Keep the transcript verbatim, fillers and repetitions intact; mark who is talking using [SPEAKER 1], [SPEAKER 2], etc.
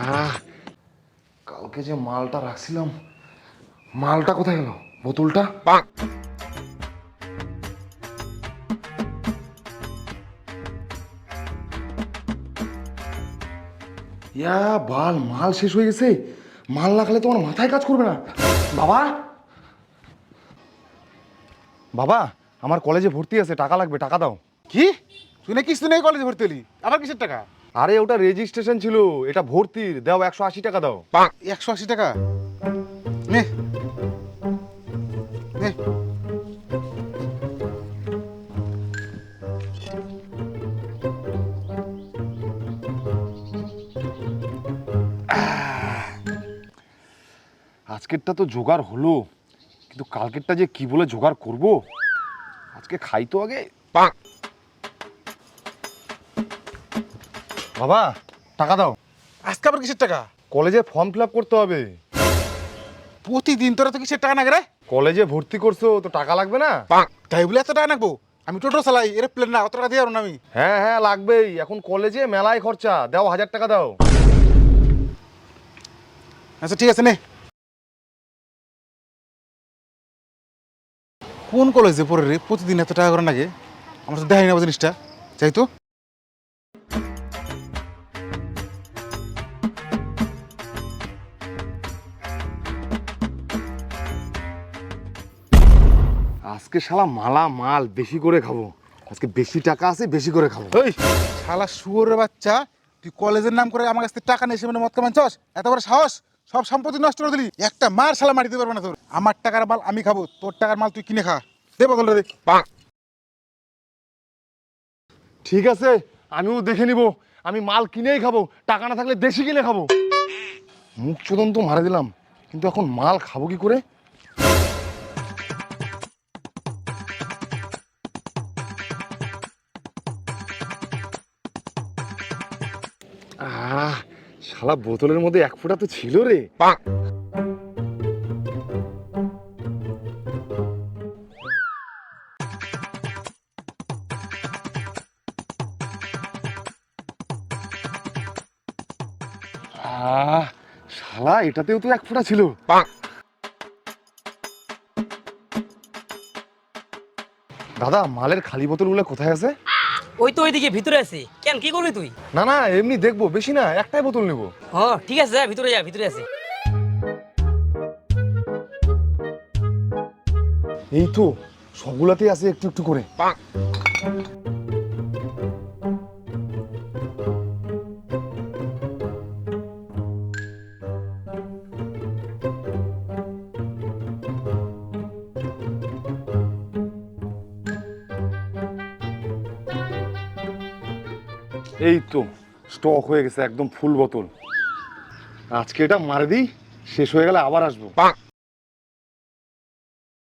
[SPEAKER 1] আহ কালকে যে মালটা রাখছিলাম, মালটা কোথায় গেল? বোতলটা ইয়া বাল, মাল শেষ হয়ে গেছে। মাল না খেলে তোমার মাথায় কাজ করবে না। বাবা, বাবা আমার কলেজে ভর্তি আছে, টাকা লাগবে, টাকা দাও।
[SPEAKER 2] কি তুই না কিছু নেই কলেজে ভর্তি হলি, আবার কিসের টাকা?
[SPEAKER 1] আরে ওটা রেজিস্ট্রেশন ছিল, এটা ভর্তির। দাও একশো আশি টাকা দাও।
[SPEAKER 2] একশো আশি টাকা নে নে।
[SPEAKER 1] আজকেরটা তো জোগাড় হলো, কিন্তু কালকেরটা যে কি বলে জোগাড় করব। আজকে খাই তো আগে। বাবা টাকা দাও।
[SPEAKER 2] আজকে আবার কিসের টাকা?
[SPEAKER 1] কলেজে ফর্ম ফিল আপ করতে হবে।
[SPEAKER 2] প্রতিদিন তোরা তো কিসের টাকা নাগে রে?
[SPEAKER 1] কলেজে ভর্তি করছো তো টাকা লাগবে না?
[SPEAKER 2] তাই বলে এত টাকা নাকবো? আমি টোটো চালাই, এরোপ্লেন না, অত টাকা দিয়ে পারবো না আমি।
[SPEAKER 1] হ্যাঁ হ্যাঁ লাগবেই, এখন কলেজে মেলায় খরচা। দাও হাজার টাকা দাও।
[SPEAKER 2] আচ্ছা ঠিক আছে নে। কোন কলেজে পড়ে রে প্রতিদিন এত টাকা করে নাগে? আমার তো দেখাই না জিনিসটা, চাই তো।
[SPEAKER 1] আজকে শালা মালা মাল বেশি করে খাবো। আজকে বেশি টাকা আছে, বেশি করে খাবো।
[SPEAKER 2] ওই শালা শুয়োরের বাচ্চা, তুই কলেজের নাম করে আমার কাছ থেকে টাকা নিয়ে মানে মদ কামান চাস? এত বড় সাহস! সব সম্পত্তি নষ্ট করে দিলি। একটা মার শালা মারি দিতে পারবে না তোর। আমার টাকার মাল আমি খাবো, তোর টাকার মাল তুই কিনে খা। দে বদলটা দে।
[SPEAKER 1] ঠিক আছে, আমিও দেখে নিব। আমি মাল কিনেই খাবো, টাকা না থাকলে দেশি কিনে খাবো। মুখ চোদন তো মারা দিলাম, কিন্তু এখন মাল খাবো কি করে? আহ শালা বোতলের মধ্যে এক ফোঁটা তো ছিল রে। আহ শালা এটাতেও তো এক ফোঁটা ছিল। দাদা মালের খালি বোতলগুলো কোথায় আছে?
[SPEAKER 3] ওই তো ওইদিকে ভিতরে আছে। কেন, কি করবি তুই?
[SPEAKER 1] না না এমনি দেখবো, বেশি না, একটাই বোতল নেবো।
[SPEAKER 3] ও ঠিক আছে, যা ভিতরে যা, ভিতরে আছে।
[SPEAKER 1] এই তো সবগুলাতেই আছে একটু একটু করে। এই তো স্টক হয়ে গেছে একদম ফুল বোতল। আজকে এটা মারে দিই, শেষ হয়ে গেলে আবার আসবো।